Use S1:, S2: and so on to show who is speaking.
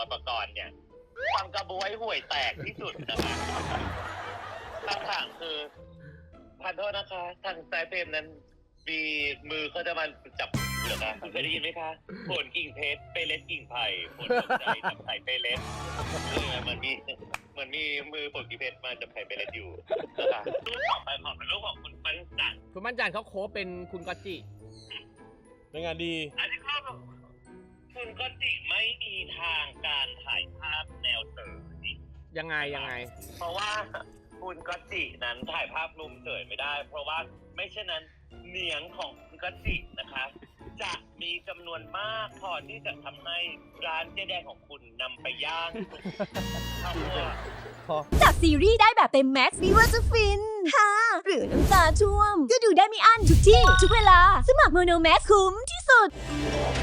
S1: รประกรณ์เนี่ยฟังกระบวยห่วยแตกที่สุดนะคะคำถามคือขอโทษนะคะทางสายเฟรมนั้นมีมือเขาจะมาจับเหรอคะเคยได้ยินไหมคะผลกิ่งเพชรเปเล็ดกิ่งไผ่ผลตกใจจับไผ่เปเล็ดมันมีมือผลกิ่งเพชรมาจับไผ่เปเล็ดอยู่นะคะรูปต่อไปขอเป็นรูปของคุณปั้นจัน
S2: คุณมั่นจันเขาโค้ชเป็นคุณกอตจิ
S3: ในงานดี
S1: อันนี้ก็คุณก็จิไม่มีทางการถ่ายภาพแนวเสย
S2: ยังไง
S1: เพราะว่าคุณก็จินั้นถ่ายภาพมุมเสยไม่ได้ เพราะว่าไม่เช่นนั้นเหนียงของคุณก็จินะคะ จะมีจำนวนมากพอที่จะทำให้ร้านเจ๊แดงของคุณนำไปย่างข้าวคั่ว
S4: จากซีรีส์ได้แบบเต็มแม็กซ์ไม่ว่าจะฟินฮ่าหรือน้ำตาท่วม ก็ดูได้ไม่อั้นทุกที่ ทุกเวลา สมัครโมโนแม็กคุ้มที่สุด